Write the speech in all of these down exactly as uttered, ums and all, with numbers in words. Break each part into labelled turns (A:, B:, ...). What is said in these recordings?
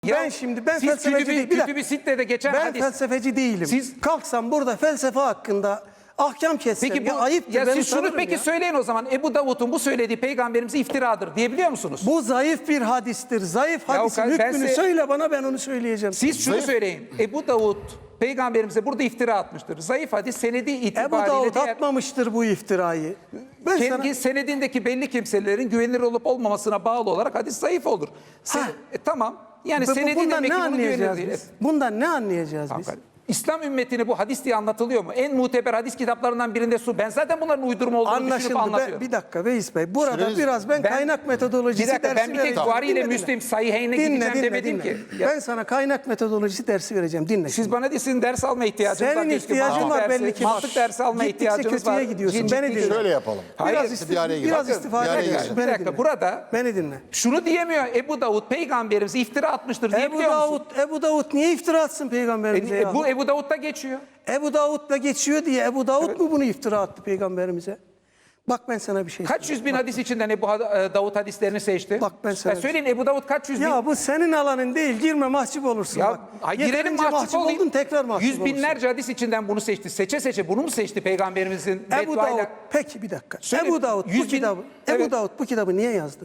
A: Ben şimdi ben
B: siz
A: felsefeci
B: kütübü,
A: değilim. Bir dakika.
B: kütübü Sitte'de geçen
A: Ben
B: hadis.
A: felsefeci değilim.
B: Siz-
A: kalksam burada felsefe hakkında ahkam kessem
B: Peki
A: ya
B: bu
A: ayıptır.
B: ya
A: ben
B: siz şunu
A: utanırım
B: peki
A: ya.
B: söyleyin o zaman. Ebu Davud'un bu söylediği peygamberimize iftiradır diyebiliyor musunuz?
A: Bu zayıf bir hadistir. Zayıf
B: Ya o
A: hadisin
B: kadar- ben
A: hükmünü
B: size-
A: söyle bana, ben onu söyleyeceğim.
B: Siz şunu
C: Zayıf-
B: söyleyin. Ebu Davud peygamberimize burada iftira atmıştır. Zayıf hadis senedi
A: Ebu
B: itibariyle
A: Davud
B: diğer,
A: atmamıştır bu iftirayı. Ben
B: kendi
A: sana...
B: senedindeki belli kimselerin güvenilir olup olmamasına bağlı olarak hadis zayıf olur. Sen,
A: Ha.
B: e, tamam. Yani
A: Bu-
B: senedi
A: bundan
B: demek
A: ne
B: ki bunu güvenilir
A: anlayacağız
B: değil.
A: biz? Bundan ne anlayacağız biz?
B: Hakikaten. İslam ümmetine bu hadis diye anlatılıyor mu? En muteber hadis kitaplarından birinde su. Ben zaten bunların uydurma olduğunu düşünüp
A: Anlaşıldı.
B: anlatıyorum.
A: Ben, bir dakika Veys Bey. Burada
C: Süreniz-
A: biraz ben,
B: Ben-
A: kaynak metodolojisi
B: Bir dakika,
A: dersi
B: ben bir tek
A: vereceğim.
B: Buhari ile
A: Dinle, dinle.
B: Müslim Sahiheyne
A: Dinle,
B: gideceğim
A: dinle,
B: demedim
A: dinle.
B: ki. Ya,
A: Ben sana kaynak metodolojisi dersi vereceğim. Dinle.
B: siz bana değilsin ders alma ihtiyacınız var.
A: Senin
B: Keşke
A: ihtiyacın
B: mantık
A: var
B: dersi-
A: belli ki.
B: Mantık dersi alma
A: Gittikçe
B: ihtiyacınız var.
A: kötüye gidiyorsun.
B: Ciddi
A: Beni
B: değil.
A: dinle.
C: Şöyle yapalım.
B: Hayır,
A: Biraz,
C: bir
A: istif
C: araya girelim.
A: biraz
C: Bakın,
A: istifade
C: bir araya
A: ediyorsun.
C: girelim.
B: Bir
A: Beni
B: dakika
A: dinle.
B: burada
A: Beni dinle.
B: şunu diyemiyor. Ebu Davud peygamberimize iftira atmıştır
A: Ebu
B: diyebiliyor musun?
A: Davud, Ebu Davud niye iftira atsın peygamberimize
B: E,
A: ya?
B: bu Ebu Davud'da geçiyor.
A: Ebu Davud'la geçiyor diye Ebu Davud mu bunu iftira attı peygamberimize? Bak ben sana bir şey
B: Kaç yüz bin hadis içinden Ebu Ha- e, Davud hadislerini seçti?
A: Bak ben sana-
B: Ya söyleyin Ebu Davud kaç yüz bin?
A: Ya bu senin alanın değil. Girme, mahcup olursun.
B: Ya
A: bak.
B: ay, girelim
A: Yeterince
B: mahcup olayım.
A: oldun, tekrar mahcup
B: Yüz binlerce hadis içinden bunu seçti. Seçe seçe bunu mu seçti peygamberimizin
A: olursun. Ebu
B: bedduayla?
A: Davud, peki bir dakika.
B: Söyle,
A: Ebu Davud bu
B: yüz bin-
A: kitabı,
B: Evet.
A: Ebu Davud bu kitabı niye yazdı?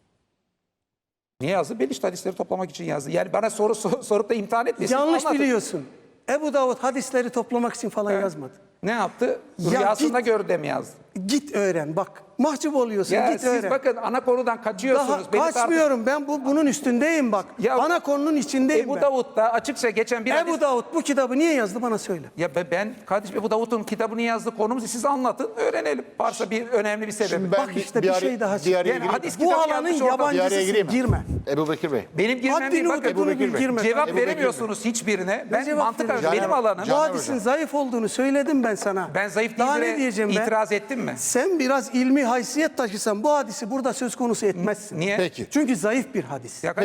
B: Niye yazdı? Belişt hadisleri toplamak için yazdı. Yani bana soru sor- sorup da imtihan etmesin.
A: Yanlış
B: Anlatın.
A: biliyorsun. Ebu Davud hadisleri toplamak için falan yazmadı.
B: Ne yaptı?
A: Ya
B: Rüyasında
A: git-
B: gördü de mi yazdı?
A: Git öğren bak. Mahcup oluyorsun.
B: Ya
A: git
B: siz
A: öğren.
B: bakın ana konudan kaçıyorsunuz.
A: Daha
B: Beni tartış-
A: kaçmıyorum. Ben bu bunun üstündeyim bak.
B: Ya-
A: Ana konunun içindeyim
B: Ebu
A: ben.
B: Davud da açıkça geçen bir
A: Ebu
B: hadis...
A: Davud bu kitabı niye yazdı bana söyle.
B: Ya be- ben kardeşim Ebu Davud'un kitabını yazdığı konumuzu siz anlatın, öğrenelim. Varsa bir önemli bir sebebi.
C: Şimdi ben
A: Bak işte
C: bir,
A: bir
C: araya-
A: şey daha
C: bir
A: çıktı.
C: araya
B: Yani
C: gireyim.
B: hadis
A: Bu
B: kitabı
A: alanın
B: yazmış orada.
C: Bir araya
A: yabancısısın.
C: gireyim mi?
A: Girme.
C: Ebu Bekir Bey.
B: Benim girmem değil
A: Haddini
B: bakın.
A: hududunu bil,
C: Bekir Bey.
A: girme.
B: Cevap
C: Ebu Bekir
B: veremiyorsunuz hiçbirine. Ben
A: cevap
B: mantık
A: vereceğim?
B: benim
C: Caner-
B: alanım.
A: Bu
C: Caner
A: hadisin
C: Hocam.
A: zayıf olduğunu söyledim ben sana.
B: Ben zayıf
A: Daha
B: değil
A: ne diyeceğim ben?
B: itiraz ettim mi?
A: Sen biraz ilmi haysiyet taşısan bu hadisi burada söz konusu etmezsin.
B: Niye?
C: Peki.
A: Çünkü zayıf bir hadis.
B: Ya